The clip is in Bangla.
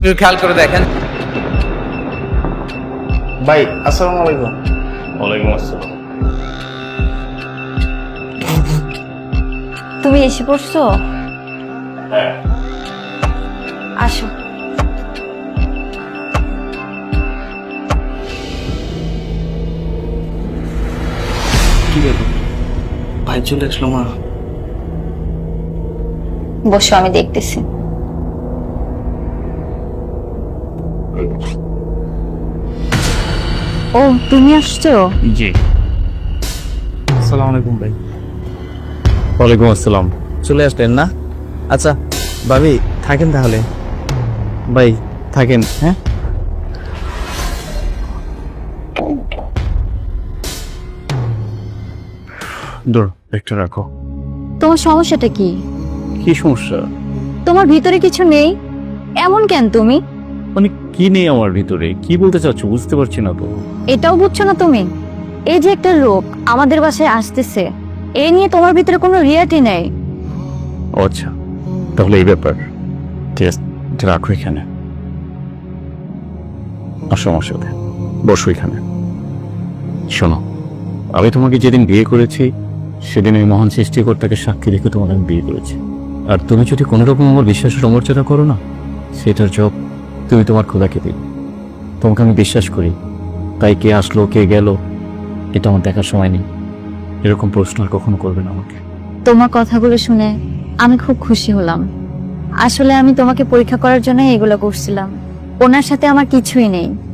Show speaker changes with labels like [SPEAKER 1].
[SPEAKER 1] একটু খেয়াল করে দেখেন।
[SPEAKER 2] ভাই আসসালামু আলাইকুম।
[SPEAKER 3] ওয়ালাইকুম আসসালাম।
[SPEAKER 4] তুমি এসে পড়ছো?
[SPEAKER 3] হ্যাঁ,
[SPEAKER 4] আসো।
[SPEAKER 2] কি ব্যাপার, ভাই চলে আসলো? মা
[SPEAKER 4] বসো, আমি দেখতেছি। ও, তুমি আসছো?
[SPEAKER 3] জি।
[SPEAKER 2] আসসালামু আলাইকুম ভাই।
[SPEAKER 3] ওয়ালাইকুম আসসালাম।
[SPEAKER 2] চলে আসলেন না? আচ্ছা ভাবি থাকেন তাহলে। ভাই থাকেন। হ্যাঁ
[SPEAKER 3] দূর, একটা রাখো।
[SPEAKER 4] তোমার সমস্যাটা কি?
[SPEAKER 3] কি সমস্যা?
[SPEAKER 4] তোমার ভিতরে কিছু নেই, এমন কেন তুমি?
[SPEAKER 3] মানে কি নেই আমার ভিতরে? কি বলতে চাচ্ছ বুঝতে পারছি না তো।
[SPEAKER 4] এটাও বুঝছো না তুমি? এই যে একটা লোক আমাদের বাসায় আসতেছে, এ নিয়ে তোমার ভিতরে কোনো রিয়াটি নেই।
[SPEAKER 3] ও আচ্ছা, তাহলে এই ব্যাপার। ঠিক আছে, এটা রাখো এখানে। আসো আমার সাথে, বসো এখানে। শোনো, আমি তোমাকে যেদিন বিয়ে করেছি সেদিন ওই মহান সৃষ্টিকর্তাকে সাক্ষী রেখে তোমাকে আমি বিয়ে করেছি। আর তুমি যদি কোনো রকম আমার বিশ্বাসের অমর্যাদা করো না, সেটার জব তুমি তোমার খোদাকে দিবে। তোমাকে আমি বিশ্বাস করি, তাই কে আসলো কে গেল এটা আমার দেখার সময় নেই। এরকম প্রশ্ন আর কখনো করবে না আমাকে।
[SPEAKER 4] তোমার কথাগুলো শুনে আমি খুব খুশি হলাম। আসলে আমি তোমাকে পরীক্ষা করার জন্য এগুলো করছিলাম। ওনার সাথে আমার কিছুই নেই।